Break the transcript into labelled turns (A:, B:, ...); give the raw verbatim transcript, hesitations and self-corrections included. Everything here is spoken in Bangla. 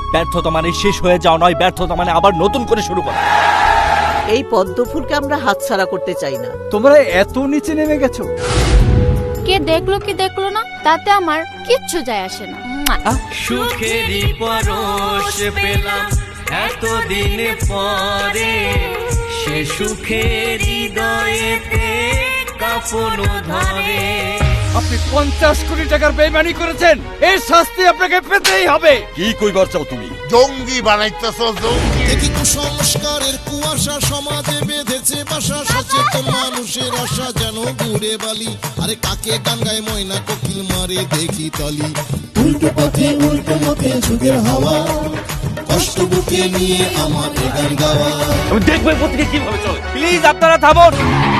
A: ব্যর্থতা মানে শেষ হয়ে যাওয়া নয়, ব্যর্থতা মানে আবার নতুন করে শুরু করা।
B: এই পদ্মফুলকে আমরা হাতছাড়া করতে চাই না।
C: তোমরা এত নিচে নেমে গেছো।
D: কে দেখলো কি দেখলো না তাতে আমার কিচ্ছু যায় আসে না।
E: সুখেরই পরশ পেলাম এতদিন পরে, সে সুখের হৃদয়েতে কাঁপন ধরে।
C: আপনি পঞ্চাশ কোটি টাকার বেইমানি করেছেন, এর শাস্তি আপনাকে পেতেই হবে।
F: কি কইবার চাও তুমি?
G: জঙ্গি বানাইতেছ জঙ্গি।
H: দেখি কুসংস্কারের কুয়াশা সমাজে বেঁধেছে বাসা, সচেতন মানুষের আশা যেন ঘুরে বালি। আরে কাকে গাঙ্গায় ময়না কোকিল মারে দেখি তালি। উল্টো পথে উল্টো মতে যুগের হাওয়া, কষ্ট বুকে নিয়ে আমার গান গাওয়া।
A: আমি দেখবো পত্রিকা কিভাবে চলে। প্লিজ আপনারা থামুন।